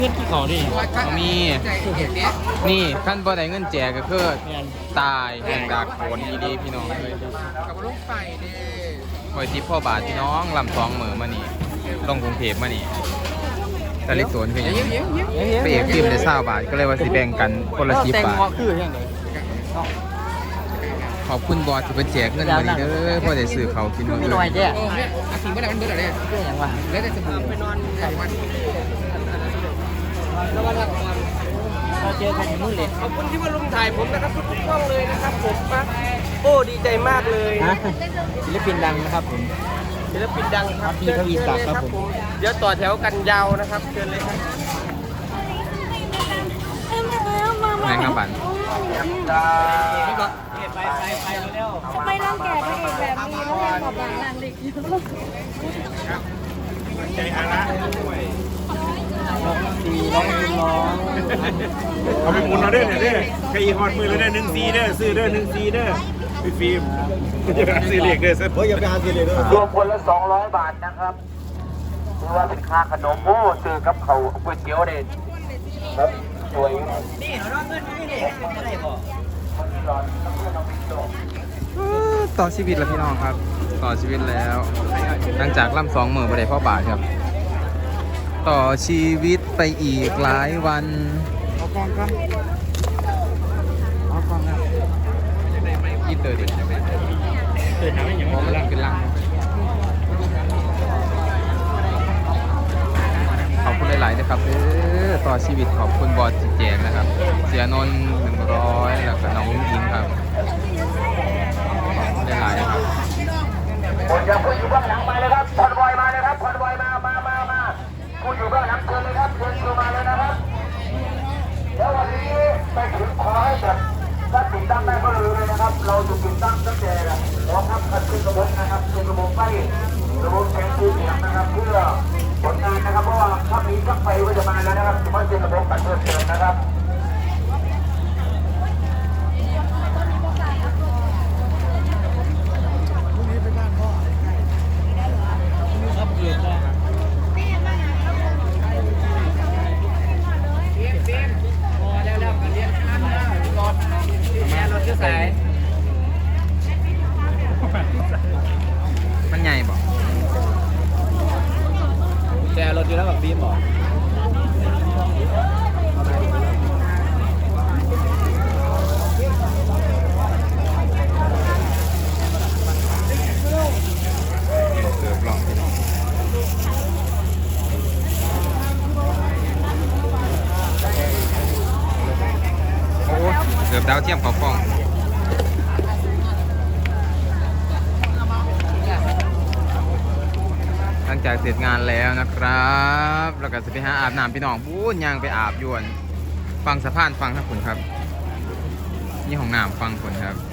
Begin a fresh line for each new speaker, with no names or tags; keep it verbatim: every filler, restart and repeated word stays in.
เงินที่เขาดิ
มีนี่ขั้นบ่ได้เงินแจกก็คือตายแห่งดากโขนอีดีพี่น้องเลย
กับลูกไฟเด้
คอยทิปพ่อบาทพี่น้องลำสองเหมือมานี่ลงกรุงเทพมานี่ตะลิสวนคืออย่างไปเอกฟิล์มได้เศร้าบาทก็เลยว่าสิแบ่งกันคนละสิบบาทขอบคุณบอสที่เป็นแจกเงินมาดีเด้อพ่อได้ซื้อเขากินมื้ออื่น
โอ้เนี่ยอาทิตย์เมื่อไหร่มันเบื่อเลยเบื่ออย่างวะแล้วแต่สบู่ไปนอนใส่วันแล้ววันละวันเราเจอกันที่นู่นเลยขอบคุณที่มาลุมถ่ายผมนะครับทุกๆกล้องเลยนะครับผมปั๊บโอ้ดีใจมากเลยศิลปินดังนะครับผมศิลปินดังครับพี่ทวีศักดิ์ครับผมเดี๋ยวต่อแถวกันยาวนะครับเชิญเลยครับ
แมงกะบัน
ไปไปไปเร็ว
ไม่ต้องแก่พระเอกแบบนี้แล้วยังบอกหลังนางเด็กอยู่
ใจอาระ
สี่ร้องร้อง
เอาไปหมุนเอาเด้อเด้อใครอีฮอดมือแล้วเด้อหนึ่งซีเด้อซื้อเด้อหนึ่งซีเด้อพี่ฟิล์มอย่าไปหาซื้อเหล็กเด้อเฮ้ยอย่าไปหาซื้อเหล็กเด้อ
รวมคนละสองร้อยบาทนะครับถือว่าเป็นค่าขนมโอ้ซื้อกับเขาก๋วยเตี๋ยวเด็ดครับสวยนี่เราเงินไม่ได้อะไรบอก
ต่อชีวิตแล้วพี่น้องครับ ต่อชีวิตแล้ว หลังจากล่ำสองหมื่นไปได้พ่อบาทครับ ต่อชีวิตไปอีกหลายวัน
เอากองกันเอากองกัน
ยิดเตอร์ดิ
เกิดทำให้อย่าง
มอง
นี้
มัน
ล่ะ
ขึ้นล่างขอบคุณหลายๆนะครับเออต่อชีวิตขอบคุณบอสจิแจงนะครับ เสียนนท์หนึ่งร้อยแล้วก็น้องอุ้งอิงครับขอบคุณหลายๆนะครับ
คนจะผู้อยู่เบื้องหลังมาเลยครับคอนวอยมาเลยครับคอนวอยมามามามาผู้อยู่เบื้องหลังเชิญเลยครับเชิญตัวมาเลยนะครับแล้ววันนี้ไปถึงขอให้แบบถ้าติดตั้งได้ก็เลยนะครับ เราจะติดตั้งตั้งแต่รองรับกันขึ้นระบบนะครับขึ้นระบบไฟระบบแสงสีเสียงนะครับเพื่อผลงานนะครับเพราะว่าถ้ามีชักไฟก็จะมาแล้วนะครับจะไม่เป็นระบบการเพิ่มเติมนะครับ
ครับเกียรตินะพอแล้วแล้วกันเรียนข้ามหน้ารถแม่รถจะใส่
มันใหญ่บอก
แจรถอยู่แล้วแบบบีมบอก
เกือบลองพี่น้องโอ้เกือบดาวเทียมเขาฟ้อง หลังจากเสร็จงานแล้วนะครับแล้วก็จะไปหาอาบน้ำพี่น้องบู๊ย่างไปอาบยวน ฟังสะพานฟังทั้งคุณครับ นี่ของน้ำฟังคุณครับ